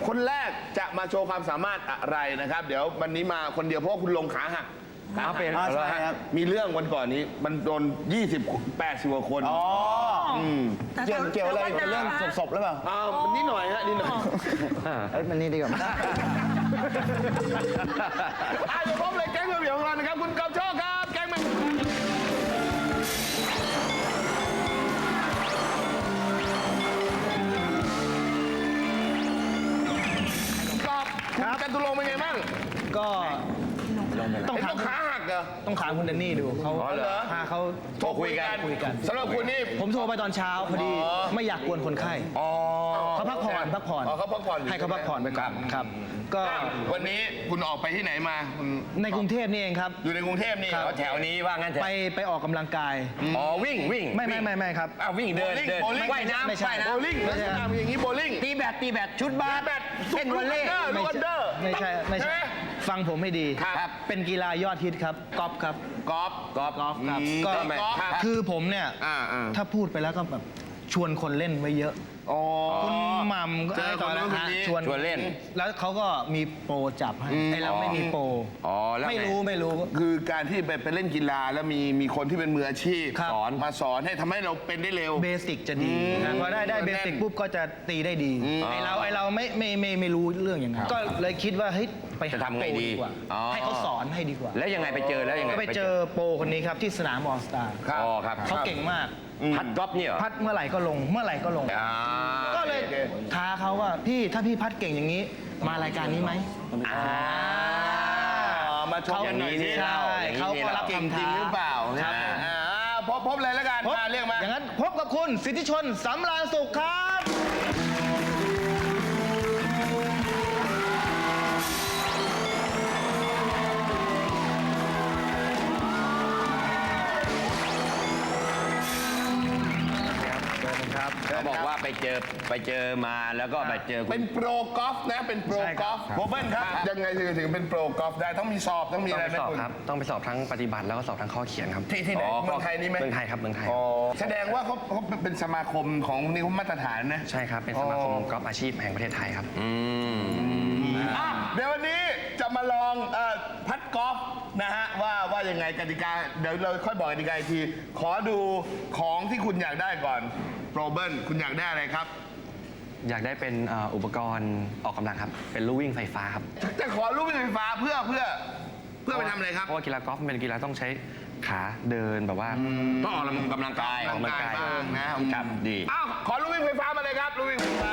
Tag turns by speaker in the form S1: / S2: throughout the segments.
S1: คนแรกจะมาโชว์ความสามารถอะไรนะครับ เดี๋ยววันนี้มาคนเดียวเพราะว่าคุณลงขาหักเป็นใช่ครับมีเรื่องวันก่อนนี้มันโดน80 กว่าคน
S2: เกี่ยวอะไรกับเรื่องศพหรือเปล่า
S1: มันนิดหน่อยฮะนิดหน่อย
S2: มันนี่ดีกว่า
S1: เดี๋ยวพบเลยแก๊งเบี่ยวของเรานะครับคุณกอบโชคครับแก๊งมันกอบคุณกันตุลงเป็นไงบ้าง
S2: ก็
S1: ต้องขาหักเหรอ
S2: ต้องถามคุณแดนนี่ดูเขาเขา
S1: โทรคุยกันสำหรับคุณนี่
S2: ผมโทรไปตอนเช้าพอดีไม่อยากกวนคนไข้เขาพักผ่อน
S1: เขาพักผ่อน
S2: ให้เขาพักผ่อนไปก่อนครับก็
S1: วันนี้คุณออกไปที่ไหนมา
S2: ในกรุงเทพนี่เองครับ
S1: อยู่ในกรุงเทพนี่แถวนี้ว่างั้น
S2: ไปออกกำลังกาย
S1: วิ่ง
S2: ไม่ครับ
S1: วิ่งเดินว่ายน้ำ
S2: ไม่ใช่
S1: โบลิ่งไม่ใช่อย่างนี้โบลิ่ง
S2: ตีแบดชุดบาส
S1: เล่นวอลเลย์
S2: ไม่ใช่ฟังผมให้ดีเป็นกีฬายอดฮิตครับกอล์ฟครับ
S1: กอล์ฟ
S2: ครับก็คือผมเนี่ยถ้าพูดไปแล้วก็แบบชวนคนเล่นไว้เยอะคุณหม่ำก็ตอนนั้นชวนเล่นแล้วเขาก็มีโปรจับให้เราไม่มีโปรไม่รู้
S1: คือการที่ไปเล่นกีฬาแล้วมีคนที่เป็นมืออาชีพมาสอนให้ทำให้เราเป็นได้เร็ว
S2: เบสิกจะดีพอได้เบสิกปุ๊บก็จะตีได้ดีไอเราไม่รู้เรื่องอย่างนั้นก็เลยคิดว่าเฮ้ยไป
S1: ทำไงดีกว่า
S2: ให้เขาสอนให้ดีกว่า
S1: แล้วยังไงไปเจอแล้วยังไง
S2: ก็ไปเจอโปรคนนี้ครับที่สนามออลสตาร์เขาเก่งมาก
S1: พัดกอล์ฟเนี่ย
S2: พัดเมื่อไหร่ก็ลงก็เลยท้าเขาว่าพี่ถ้าพี่พัดเก่งอย่างนี้มารายการนี้ไหม
S1: มาชมอย่างนี้
S2: ใช่เขาก็รับคำท้า
S1: หรือเปล่าพบเลยแล้วกันเรียกมา
S2: อย่างนั้นพบกับคุณสิทธิชนสำราญสุขครับ
S1: เขาบอกว่าไปเจอมาแล้วก็ไปเจอเป็นโปรกอล์ฟนะเป็นโปรกอล์ฟโบเบิ้ลครับยังไงถึงเป็นโปรกอล์ฟได้ต้องมีสอบต้องมีอะไรไหมคุณ
S3: ต้องไปสอบทั้งปฏิบัติแล้วก็สอบทั้งข้อเขียนครับ
S1: ที่ไหนเมืองไทยนี่ไหม
S3: เมืองไทยครับเมืองไทย
S1: แสดงว่าเขาเป็นสมาคมของนี่เขามาตรฐานนะ
S3: ใช่ครับเป็นสมาคมกอล์ฟอาชีพแห่งประเทศไทยครับ
S1: เดี๋ยววันนี้จะมาลองพัดกอล์ฟนะฮะว่ายังไงกติกาเดี๋ยวเราค่อยบอกกติกาอีกทีขอดูของที่คุณอยากได้ก่อนโปรเบิลคุณอยากได้อะไรครับ
S3: อยากได้เป็นอุปกรณ์ออกกำลังครับเป็นลู่วิ่งไฟฟ้าครับ
S1: จะขอลู่วิ่งไฟฟ้าเพื่อไปทำอะไรครับ
S3: เพราะว่ากีฬากอล์ฟเป็นกีฬาต้องใช้ขาเดินแบบว่า
S1: ต้องออกกำลังกายบ้างนะครับดีขอลู่วิ่งไฟฟ้ามาเลยครับลู่วิ่งไฟฟ้า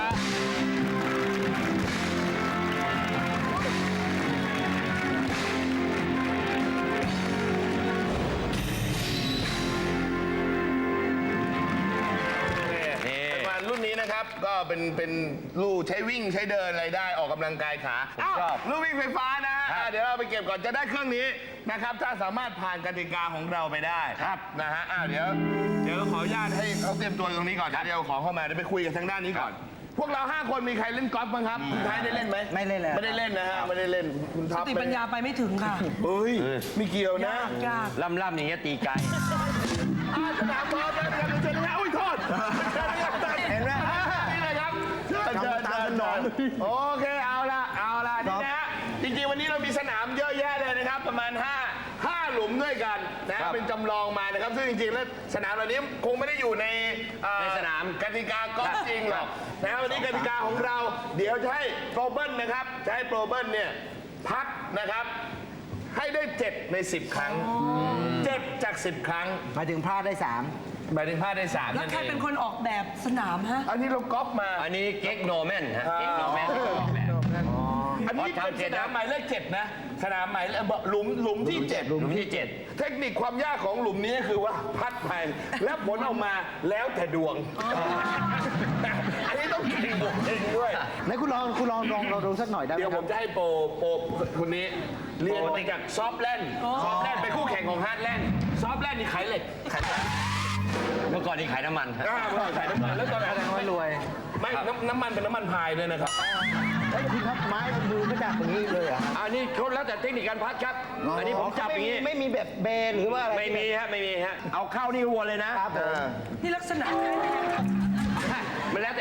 S1: รุ่นนี้นะครับก็เป็นลู่ใช้วิ่งใช้เดินอะไรได้ออกกำลังกายขาลู่วิ่งไฟฟ้านะฮะเดี๋ยวเราไปเก็บก่อนจะได้เครื่องนี้นะครับถ้าสามารถผ่านกติกาของเราไปได้นะฮะเดี๋ยวขออนุญาตให้เขาเตรียมตัวตรงนี้ก่อนเดี๋ยวของเข้ามาเดี๋ยวไปคุยกันทางด้านนี้ก่อนพวกเรา5 คนมีใครเล่นกอล์ฟบ้างครับคุณท้ายได้เล่นไหม
S2: ไม่เล่นเลย
S1: ไม่ได้เล่นนะฮะไม่ได้เล่นคุณท็อป
S4: สติปัญญาไปไม่ถึงค่ะ
S1: เฮ้ยไม่เกี่ยวนะ
S3: ล่ำอย่างเงี้ยตีไกล
S1: สนามบอลเลยกันเชิญนะอุ้ยโทษเห็นไหมนี่เลยครับเชิญโอเคเอาละนี่นะจริงๆวันนี้เรามีสนามเยอะแยะเลยนะครับประมาณ5 หลุมด้วยกันนะเป็นจำลองมานะครับซึ่งจริงๆแล้วสนามเหล่านี้คงไม่ได้อยู่ใน
S3: สนาม
S1: กติกากอล์ฟจริงหรอกนะวันนี้กติกาของเราเดี๋ยวจะให้โปรเบิลนะครับจะให้โปรเบิลเนี่ยพัดนะครับให้ได้7 ใน 10 ครั้ง7 จาก 10 ครั้ง
S2: หมายถึงพลาดได้3
S1: หมายถึงพลาดได้3
S4: แล้วใครเป็นคนออกแบบสนามฮะ
S1: อันนี้เราก๊อปมา
S3: อันนี้เก๊กโนแมนฮะเก๊กโนแมน
S1: อันนี้เป็นสนามหมายเลข7นะสนามหมายหลุมที่7เทคนิคความยากของหลุมนี้คือว่าพัดไปแล้วผลออกมาแล้วแต่ดวงอันนี้ต้องเก่งบวกเองด้วย
S2: ไหนคุณลองดูสักหน่อยได้ไหม
S1: เดี๋ยวผมจะให้โปรคนนี้เรียนมาจากซอฟแลนด์เป็นคู่แข่งของฮาร์ดแลนด์ซอฟแลนด์นี่ขายเหล็ก
S3: เมื่อก่อนนี่ขายน้ำมัน
S1: เมื่อก่อนขายน้ำมันแล้วตอนไหน
S2: รวย
S1: ไม่น้ำมันเป็นน้ำมันพายด้วยนะครับ
S2: คุณครับไม้มือไม่จับอย่างนี้เลย
S3: อันนี้เขาแล้วแต่เทคนิคการพัดครับอันนี้ผมจับอย่างนี้
S2: ไม่มีแบบเบนหรือว่าอะไร
S3: ไม่มีฮะเอาเข้านี่วนเลยนะครับ
S4: นี่ลักษณะ
S3: มันแล้วแต่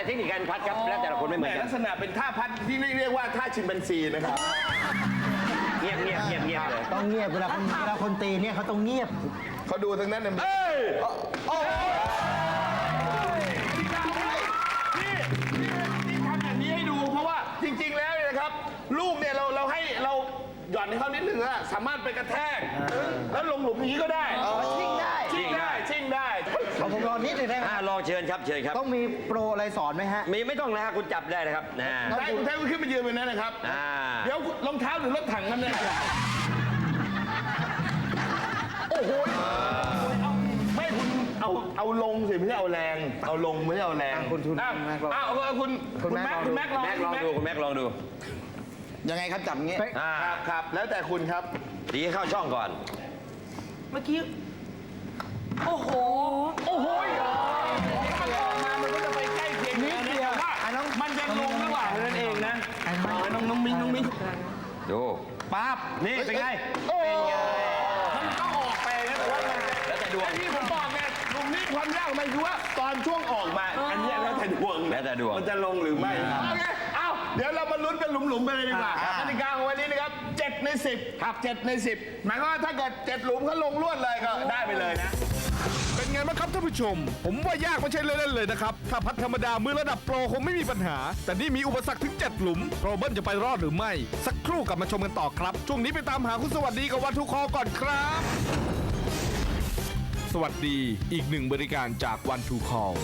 S5: แต่เทคนิคการพัดครับแล้วแต่ละคนไม่เหมือนกั
S1: ลั
S5: น
S1: กษณะเป็นท่าพัดที่เรียกว่าท่าชิมแปนซีนะครับ
S5: เงียบเลย
S6: ต้องเงียบเวลาคนตีเนี่ยเขาต้องเงียบ
S1: เขาดูทั้งนั้นนะนี่ทำอย่างนี้ให้ดูเพราะว่าจริง ๆ แล้วเนี่ยนะครับ ลูกเนี่ยเราให้เราหย่อนให้เขานิดนึงอะสามารถไปกระแทกแล้วลงหลุมอย่างนี้ก็ได้ชิ่งได้
S6: ผมรอนิดหนึงได้ไหม
S5: ลองเชิญครับ
S6: ต้องมีโปรอะไรสอนไหมฮะ
S5: ไม่ต้องนะฮะคุณจับได้นะครับนะ
S1: ได้คุณแท้คุณขึ้นมายืนบนนั้นนะครับ เดี๋ยวรองเท้าหรือรถถังนั่นเนี่ยโอ้โหไม่คุณเอาลงสิไม่ใช่เอาแรง เอาลงไม่ใช่เอาแรงคุณแม็กลอง
S5: แม็กลองดูคุณแม็กลองดู
S6: ยังไงครับจับอย่างงี้
S1: ครับแล้วแต่คุณครับ
S5: ดีเข้าช่องก่อน
S4: เมื่อกี้ โอ้โห
S1: มันออกมามันก็จะไปใกล้เคียงนิดเดียวมันจะลงระหว่างนั่นเองนะน้องมิ้ง
S5: ดู
S1: ปั๊บนี่เป็นไงมันก็ออกไปนะแต่ว่ามันแล้วแต่ดวงที่ผมบอกไงลุงนี่ความยากของมันคือว่าตอนช่วงออกมาอันนี้แล้วแต่ดวงมันจะลงหรือไม่โอเคเอาเดี๋ยวเรามาลุ้นกันหลุมๆไปเลยดีกว่ากติกาของวันนี้นะครับ7 ใน 10ครับ7 ใน 10หมายความว่าถ้าเกิด7 หลุมเขาลงลวดเลยก็ได้ไปเลยนะ
S7: เป็นไงบ้างครับท่านผู้ชม ผมว่ายากไม่ใช่เล่นๆเลยนะครับ ถ้าพัดธรรมดามือระดับโปรคงไม่มีปัญหา แต่นี่มีอุปสรรคถึง 7 หลุมโรเบิร์ตจะไปรอดหรือไม่ สักครู่กลับมาชมกันต่อครับ ช่วงนี้ไปตามหาคุณสวัสดีกับวันทูคอก่อนครับ สวัสดีอีกหนึ่งบริการจากวันทูคอ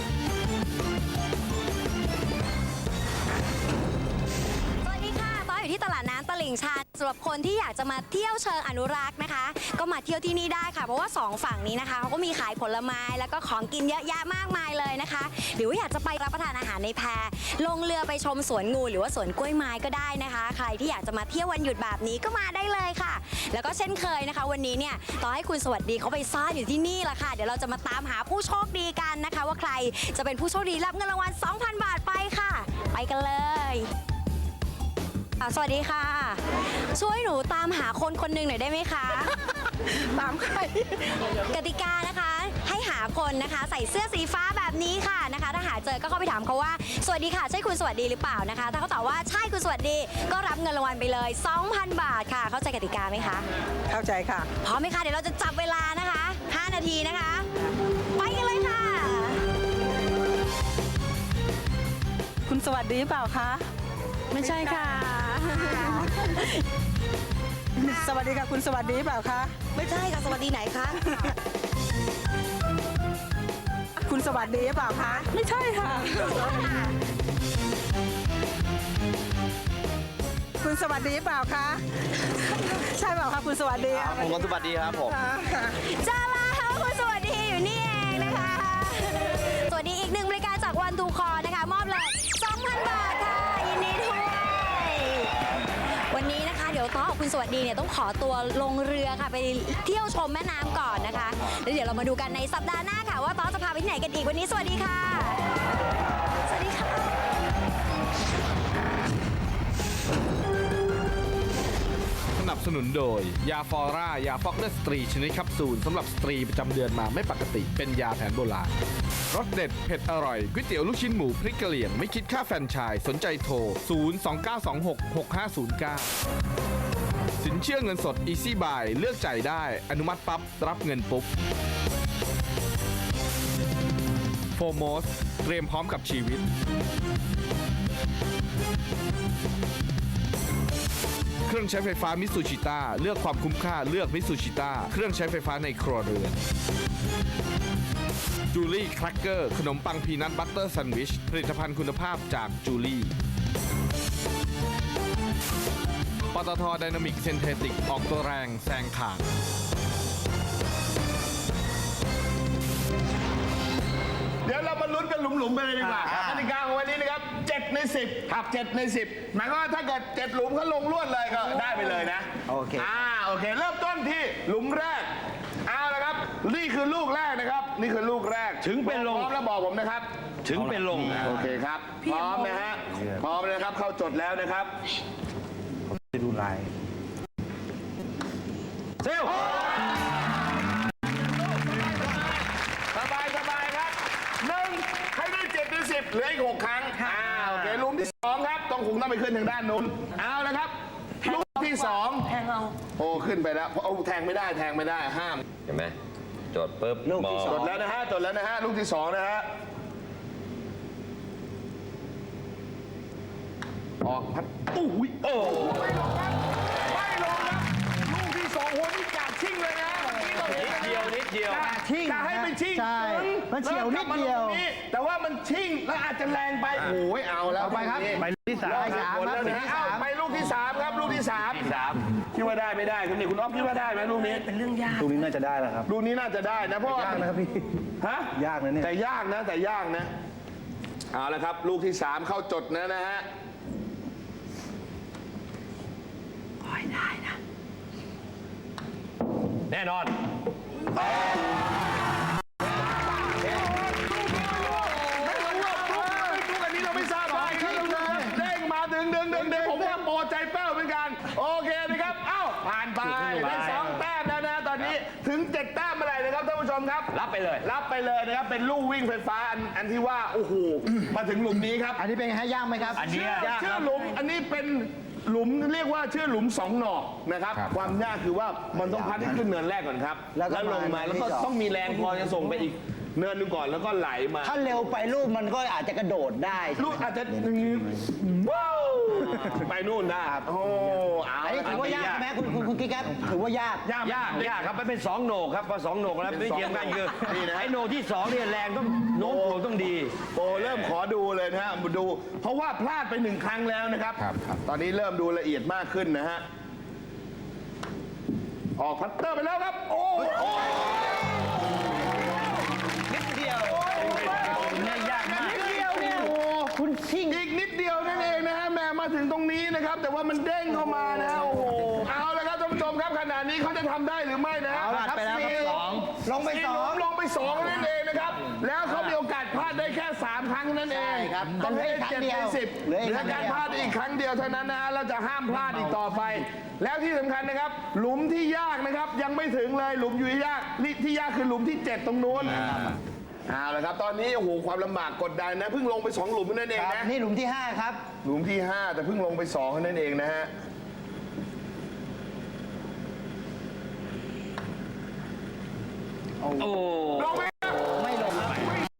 S8: สวัสดีค่ะต้อยอยู่ที่ตลาดน้ำตลิ่งชันสำหรับคนที่อยากจะมาเที่ยวเชิงอนุรักษ์นะคะ ก็มาเที่ยวที่นี่ได้ค่ะ เพราะว่า2ฝั่งนี้นะคะเขาก็มีขายผลไม้แล้วก็ของกินเยอะแยะมากมายเลยนะคะ หรือว่าอยากจะไปรับประทานอาหารในแพลงเรือไปชมสวนงูหรือว่าสวนกล้วยไม้ก็ได้นะคะ ใครที่อยากจะมาเที่ยววันหยุดแบบนี้ก็มาได้เลยค่ะ แล้วก็เช่นเคยนะคะ วันนี้เนี่ยต่อให้คุณสวัสดีเขาไปซ่อนอยู่ที่นี่ละค่ะเดี๋ยวเราจะมาตามหาผู้โชคดีกันนะคะ ว่าใครจะเป็นผู้โชคดีรับเงินรางวัล 2,000 บาทไปค่ะ ไปกันเลยสวัสดีค่ะ ช่วยหนูตามหาคนคนหนึ่งหน่อยได้ไหมคะ ตามใครกติกานะคะให้หาคนนะคะใส่เสื้อสีฟ้าแบบนี้ค่ะนะคะ ถ้าหาเจอก็เข้าไปถามเขาว่าสวัสดีค่ะใช่คุณสวัสดีหรือเปล่านะคะ ถ้าเขาตอบว่าใช่คุณสวัสดีก็รับเงินรางวัลไปเลย 2,000 บาทค่ะเข้าใจกติกาไหมคะเข้าใจค่ะพร้อมไหมคะเดี๋ยวเราจะจับเวลานะคะ5 นาทีนะคะไปกันเลยค่ะ
S4: คุณสวัสดีเปล่าคะ
S8: ไม่ใช่ค่ะ
S4: สวัสดีค่ะ คุณสวัสดีเปล่าคะ
S8: ไม่ใช่ค่ะสวัสดีไหนคะ
S4: คุณสวัสดีเปล่าคะ ไม่ใช่ค่ะ คุณสวัสดีเปล่าคะ ใช่เปล่าคะคุณสวัสดี
S3: ผมคนสวัสดีครับผม
S8: จ้าแล้วคุณสวัสดีอยู่นี่เองนะคะ สวัสดีอีกหนึ่งบริการจากวันทูคอนะคะมอบเลย 2,000 บาทค่ะยินดีด้วยวันนี้นะคะเดี๋ยวต้อกับคุณสวัสดีเนี่ยต้องขอตัวลงเรือค่ะไปเที่ยวชมแม่น้ำก่อนนะคะแล้วเดี๋ยวเรามาดูกันในสัปดาห์หน้าค่ะว่าต้อจะพาไปที่ไหนกันอีกวันนี้สวัสดีค่ะ สวัสดีค่ะ
S7: สนับสนุนโดย ยาฟอร่ายาฟอกเดอร์สตรีชนิดแคปซูลสำหรับสตรีประจำเดือนมาไม่ปกติเป็นยาแผนโบราณรสเด็ดเผ็ดอร่อยก๋วยเตี๋ยวลูกชิ้นหมูพริกกะเหรี่ยงไม่คิดค่าแฟรนไชส์สนใจโทร 029266509 สินเชื่อเงินสด Easy Buy เลือกจ่ายได้อนุมัติปั๊บรับเงินปุ๊บโฟโมสเตรียมพร้อมกับชีวิตเครื่องใช้ไฟฟ้ามิตซูชิต้าเลือกความคุ้มค่าเลือกมิตซูชิต้าเครื่องใช้ไฟฟ้าในครัวเรือนจูลี่แครกเกอร์ขนมปังพีนัทบัตเตอร์แซนด์วิชผลิตภัณฑ์คุณภาพจากจูลี่ปตทไดนามิกเซนเทติกออกตัวแรงแซงข่าง
S1: เดี๋ยวเรามาลุ้นกันหลุมๆไปเลยดีกว่ากติกาของวันนี้นะครับ7 ใน 10ครับ7 ใน 10หมายความว่าถ้าเกิด7 หลุมเขาลงลวดเลยก็ได้ไปเลยนะ
S6: โอเค
S1: โอเคเริ่มต้นที่หลุมแรกเอาละครับนี่คือลูกแรกนะครับนี่คือลูกแรก
S5: ถึงเป็นลง
S1: พร้อมแล้วบอกผมนะครับ
S5: ถึงเป็นลง
S1: โอเคครับพร้อมนะฮะพร้อมเลยครับเข้าจดแล้วนะครับ
S6: จะดูลาย
S5: เซล
S1: สบายครับ1ให้ได้7 ใน 10 30เหลืออีก6ครั้งโอเคหลุมที่2ครับต้องคงต้องไปขึ้นทางด้านนู้นเอาละครับลูกที่2แทงเอาโอ้ขึ้นไปแล้วเอาแทงไม่ได้ห้าม
S5: เห็นไหมจดปุ๊บ
S6: ลูกที่
S5: ม
S6: ส
S1: จ
S6: อง
S1: ดแล้วนะฮะลูกที่2นะฮะออกพัดอุ้ยโอ้ไม่ลงครับลูกที่2โหนี่กาดชิ่งเลยนะ
S5: นิดเดียว
S6: ชิ่ง
S1: จะให้มันชิ่ง
S6: ใช่มันเฉียวนิดเดียว
S1: แต่ว่ามันชิ่งแล้วอาจจะแรงไปโอ้ยเอาแล้ว
S6: เอาไปครับ
S2: ไปลูกที่สาม
S6: ไปสาม
S1: หมด
S6: ค
S1: แล้
S6: รั
S1: ว
S6: บ
S1: นะเอาไปลูกที่3ครับลูกที่3คิดว่าได้ไม่ได้คุณนี่คุณอ๊อฟคิดว่าได้ไหมลูกนี้เป็นเรื่องยาก
S6: ตรงนี้น่าจะได้แล้วครับ
S1: ลูกนี้น่าจะได้นะเพราะว่าย
S6: ากนะครับพี่
S1: ฮะ
S6: ยากนะเนี่ย
S1: แต่ยากนะเอาละครับลูกที่3เข้าจดนะฮะ
S5: แน่นอน
S1: ไม่รู้ว่าลูกอันนี้เราไม่ทราบได้ครับเด้งมาดึงผมว่าโปรใจแป้วเหมือนกันโอเคนะครับเอ้าผ่านไปได้2แต้มแล้วนะตอนนี้ถึง7แต้มเมื่อไหร่นะครับท่านผู้ชมครับ
S5: รับไปเลย
S1: รับไปเลยนะครับเป็นลู่วิ่งไฟฟ้าอันที่ว่าโอ้โหมาถึงหลุมนี้ครับ
S6: อันนี้เป็นไงฮะยากไหมครับ
S1: ชื่อหลุมอันนี้เป็นหลุมเรียกว่าชื่อหลุม2 หนอกนะครับความยากคือว่ามันต้องพัดให้ขึ้นเนินแรกก่อนครับ
S6: แล้วก็
S1: ลงมาแล้วก็
S6: ที่สอง
S1: ต้องมีแรงพอจะส่งไปอีกเนินหนึงก่อนแล้วก็ไหลมา
S6: ถ้าเร็วไปลูกมันก็อาจจะกระโดดได้
S1: ลูกอาจจะว้าวไปนู่นได้โอ้เอา
S6: อันนี้ถือว่ายากใช่ไหมคุณกิ๊กครับถือว่ายาก
S5: ยากครับมันเป็น2โหนกครับพอ2โหนกแล้วไม่เทียมกันคือไอ้โหนกที่2เนี่ยแรงต้องโน้มถ่วงต้องดี
S1: โอ้เริ่มขอดูเลยนะฮะมาดู เพราะว่าพลาดไป1 ครั้งแล้วนะครับ ตอนนี้เริ่มดูละเอียดมากขึ้นนะฮะออกพัตเตอร์ไปแล้วครับโอ้นิดเดียวเนี่ยโอ้คุณชิ่งอีกนิดเดียวนั่นเองนะฮะแม่มาถึงตรงนี้นะครับ แต่ว่ามันเด้งเข้ามานะโอ้โหเอาละครับท่านผู้ชมครับขณะนี้เขาจะทำได้หรือไม่นะ
S6: เอาละครับไปแล้วครับสองลงไปสอง
S1: ลงไป2นั่นเองนะครับ แล้วเขามีโอกาสพลาดได้แค่3 ครั้งนั่นเอง
S6: ใช่ครับ
S1: ต้องให้
S6: เหลืออีกครั้
S1: 7
S6: งเดี
S1: ใน
S6: ยว
S1: 10
S6: เหลืออีก
S1: และการพลาดอีกครั้งเดียวเท่านั้นนะเราจะห้ามพลาดอีกต่อไป แล้วที่สำคัญนะครับ หลุมที่ยากนะครับยังไม่ถึงเลยหลุมอยู่ที่ยากที่ยากคือหลุมที่ 7 ตรงนู้นเอาละครับตอนนี้โอ้โหความลำบากกดดันนะเพิ่งลงไป2 หลุมนั่นเอง
S6: ครับ
S1: นะ
S6: นี่หลุมที่ 5 ครับ
S1: หลุมที่ 5 แต่เพิ่งลงไป2นั่นเองนะฮะ
S5: โอ้
S1: ลงไปครับ
S6: ไม่ลงครับ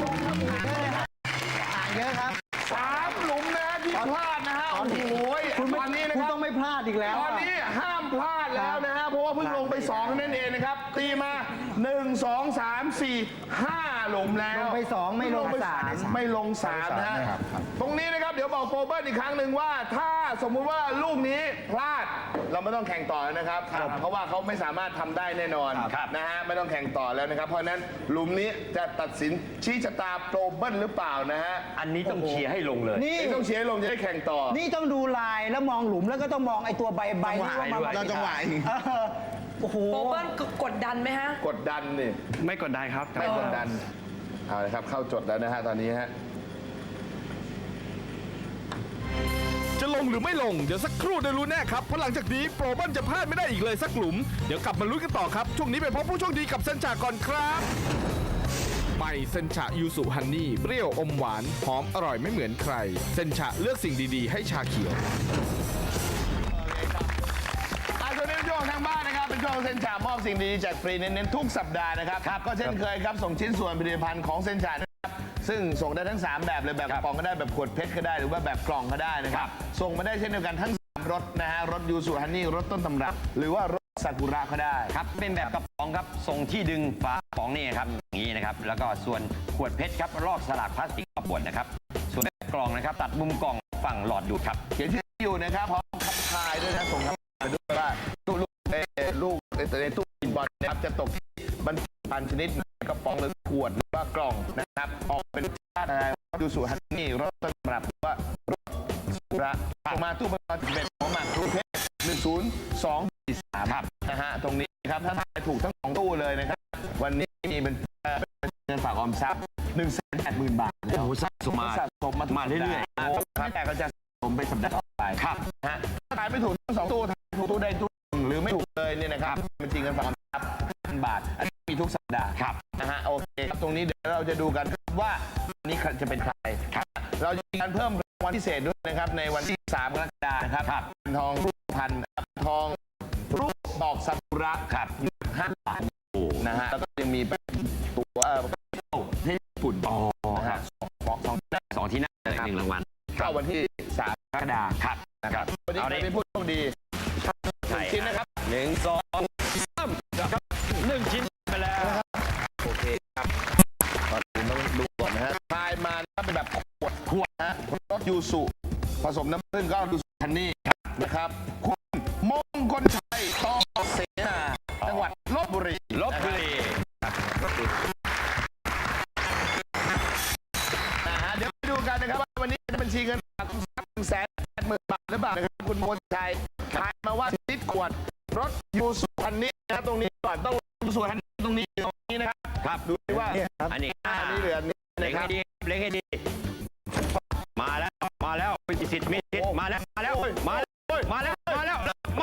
S6: ห่างเยอะครับ
S1: 3 หลุมนะฮะที่พลาดนะฮะโอ้โห
S6: คุณ
S1: ตอนนี้นะ
S6: คุณ
S1: ครับ
S6: ต้องไม่พลาดอีกแล้ว
S1: ตอนนี้ห้ามพลาดแล้วนะฮะเพราะว่าเพิ่งลงไป2นั่นเองนะครับตีมา 1 2 3 4 5 หลุมแล้ว
S6: ลงไป2ไม่ลง
S1: ป
S6: สาม
S1: ไม่ลง3นะฮะตรงนี้นะครับเดี๋ยวบอกโปรเบิร์ตอีกครั้งหนึ่งว่าถ้าสมมุติว่าลูกนี้พลาดเราไม่ต้องแข่งต่อแล้วนะครับ เพราะว่าเขาไม่สามารถทำได้แน่นอนนะฮะไม่ต้องแข่งต่อแล้วนะครับ เพราะฉะนั้นหลุมนี้จะตัดสินชี้ชะตาโปรเบิร์ตหรือเปล่านะฮะ
S5: อันนี้ต้องเชียร์ให้ลงเลย
S6: นี่
S1: ต้องเชียร์ให้ลงจะได้แข่งต่อ
S6: นี่ต้องดูลายแล้วมองหลุมแล้วก็ต้องมองไอ้ตัวใบที่ว่ามัน
S1: เราจังหวะอีก
S6: โอ้โห
S4: โปเปิ้ลกดดันไหมฮะ
S1: กดดันนี่
S3: ไม่กดดันครับ
S1: ไม่กดดัน เอาเลยครับ เข้าจดแล้วนะฮะ ตอนนี้ฮะ
S7: จะลงหรือไม่ลง เดี๋ยวสักครู่ได้รู้แน่ครับ เพราะหลังจากนี้โปรเบิลจะพลาดไม่ได้อีกเลยสักหลุม เดี๋ยวกลับมาลุ้นกันต่อครับ ช่วงนี้ไปพบผู้โชคดีกับเซนจาก่อนครับใหม่เซนชายูสุฮันนี่เปรี้ยวอมหวานหอมอร่อยไม่เหมือนใคร เซนชาเลือกสิ่งดีๆ ให้ชาเขียว
S1: ส่วนนี้ช่วงทางบ้านนะครับ เป็นช่วงเซ็นชามอบสิ่งดีๆแจกฟรีเน้นๆทุกสัปดาห์นะครับ ก็เช่นเคยครับ ส่งชิ้นส่วนผลิตภัณฑ์ของเซ็นชานะครับ ซึ่งส่งได้ทั้ง 3 แบบเลยแบบกระป๋องก็ได้แบบขวดเพชรก็ได้หรือว่าแบบกล่องก็ได้นะครับ ส่งมาได้เช่นเดียวกันทั้ง3รถนะฮะ รถยูสุฮันนี่ รถต้นตำรับ หรือว่ารถซากุระก็ได้
S5: ครับ เป็นแบบกระป๋องครับ ส่งที่ดึงฝากระป๋องนี่ครับ อย่างนี้นะครับ แล้วก็ส่วนขวดเพชรครับลอกสลักพลาสติกขวดนะครับ ส่วนแบบกล่องนะครับ ตัดมุมกล่องฝั่งหลอดดูดครับ
S1: เขียนชื่ออยู่นะครับพร้อมคำทายด้วยนะส่งไปด้วยว่าตู้ลูกในตู้กินบอลนะครับจะตกที่บรรจุภัณฑ์ชนิดกระป๋องหรือขวดหรือว่ากล่องนะครับออกเป็นชาติอะไรดูสุฮันนี่รถต้นตำรับหรือว่ารถสุระมาตู้บอลเป็นของหมักรูปเพชร10243ครับนะฮะตรงนี้ครับถ้าทายถูกทั้ง2ตู้เลยนะครับวันนี้มีเป็นเงินฝากออมทรัพย์180,000 บาทแล้ว
S5: โอ้โหสะสมมา
S1: สะสมมา
S5: เรื่อยๆ
S1: ครับแต่ก็จะสะสมไปสัปดาห์ต่อไปครับฮะถ้าทายไม่ถูกทั้ง2ตู้ทายถูกตู้ใดตู้หนึ่งหรือไม่ถูกเลยเนี่ยนะครับเป็นจริงเงินฝากออมทรัพย์1,000 บาทอันนี้มีทุกสัปดาห์ครับนะฮะโอเคครับตรงนี้เดี๋ยวเราจะดูกันว่านี่จะเป็นใครเราจะมีการเพิ่มรางวัลพิเศษด้วยนะครับในวันที่ 3 กรกฎาคมนะครับทองรูปพันทองรูปดอกซากุระครับ5 บาทนะฮะแล้วก็ยังมีตัวที่ญี่ปุ่นนะครับ
S5: สองที่นั่งเลย1 รางวัล
S1: เข้าวันที่ 3 กรกฎาคมครับนะครับวันนี้เป็นผู้โชคดีชิ้นนะครับ
S5: 1 2 3ครับ1 ชิ้นไปแล้ว
S1: โอเคครับก่อนอื่นต้องดูก่อนนะฮะพายมานะครับเป็นแบบขวดนะรสยูสุผสมน้ำผึ้งก็ยูสุฮันนี่นะครับคุณมงคลชัยต่อเสนาจังหวัดลบบุรี
S5: ลบบุรี
S1: เดี๋ยวไปดูกันนะครับว่าวันนี้จะบัญชีเงินฝาก180,000 บาทหรือเปล่านะครับคุณมงคลชัยทายมาว่าลิตรขวดรถยูสุฮันนี่นะครับตรงนี้ก่อนต้องยูสุฮันนี่ตรงนี้นะครับครับดูดิว่า
S5: อันนี้
S1: อันนี้เหลือนี้
S5: เล็
S1: นะ
S5: ง
S1: ครั
S5: ให้
S1: บ
S5: ดีเล็งให้ดี มาแล้วมีสิทธิ์มาแล้วมาแล้วมาแล้วมาแล้วมาแล้วมา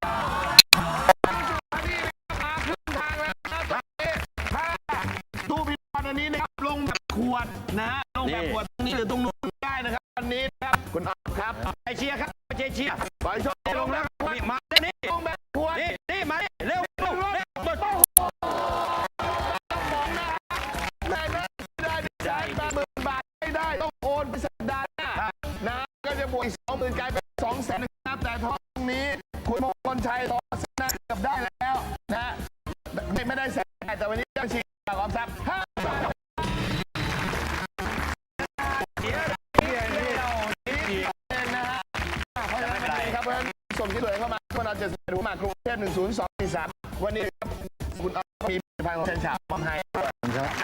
S1: ตู้พิมพ์อันนี้นะครับลงแบบขวดนะฮะลงแบบขวดตรงนี้หรือตรงนู้นได้นะครับอันนี้นะครับคุณอ๊อฟครับ
S5: ไปเชียร์ครับไปเชียร์
S1: ปล่อยโชว์ลงแล้ว
S5: มาแล้วนี่
S1: ลงแบบขวด
S5: นี่มาเร็วเร็วเร็วหมด
S1: ได้ได้80,000 บาทไม่ได้ต้องโอนไปสัปดาห์หน้านะก็จะบวกอีก 20,000 กลายเป็น 200,000 นะครับแต่ทองตรงนี้คุณมงคลชัยต่อเสนาเกือบได้แล้วนะไม่ได้แสนแต่วันนี้ต้องชิงฝากออมทรัพย์5 บาทส่งที่เหลือเข้ามาเมื่อเราจะรู้มากรุงเทพ10243วันนี้คุณอ๊อฟมีผลิตภัณฑ์ของเซนชาพร้อมให้